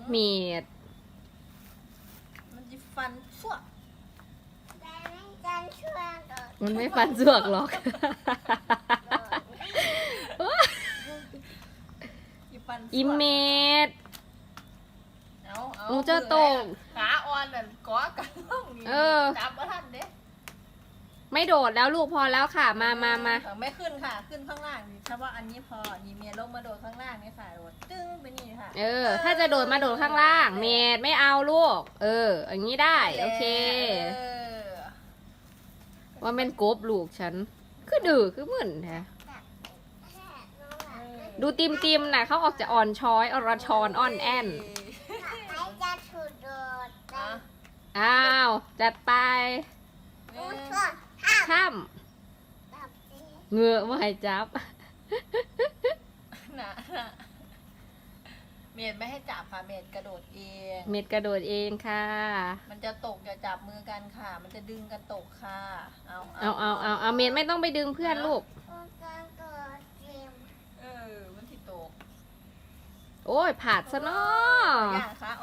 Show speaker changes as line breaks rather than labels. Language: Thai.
เมีด
มันจะฟันชั่ว
มันไม่ฟันสวกหรอก
จะฟัน
อิเมด
เอา
หนูจะตก
ขาอ่อนน่ะก้อกันล่องนี่
เออ
จับมาทันเด้
ไม่โดดแล้วลูกพอแล้วค่ะ มา
ไม่ขึ้นค่ะ ขึ้นข้างล่างนี่เฉพาะอันนี้พอนี่เมียลงมาโดดข้างล่างนี่ค่ะโดดตึ้งไปนี่ค่ะ
เออ ถ้าจะโดดมาโดดข้างล่าง เมดไม่เอาลูก เออ อย่างนี้ได้ โอเค
เออ
ว่าเป็นกบลูกฉัน คือดื้อคือเหมือนแท้ดูติมนะเขาออกจะอ่อนช้อยอรชรอ่อนแอน
อ่ะ
อ้าว จัดไป
เออ
ข้ามเหงือไม่ให้จับ
น่ะเมดไม่ให้จับค่ะเมดกระโดดเอง
เม็ดกระโดดเองค่ะ
มันจะตกอย่าจับมือกันค่ะ มันจะดึงกันตกค่ะ เอา
เอาเม็ดไม่ต้องไปดึงเพื่อนลูก
เออ มันที่ตก
โอ้ยผาดซะเนาะ
อย่างคะ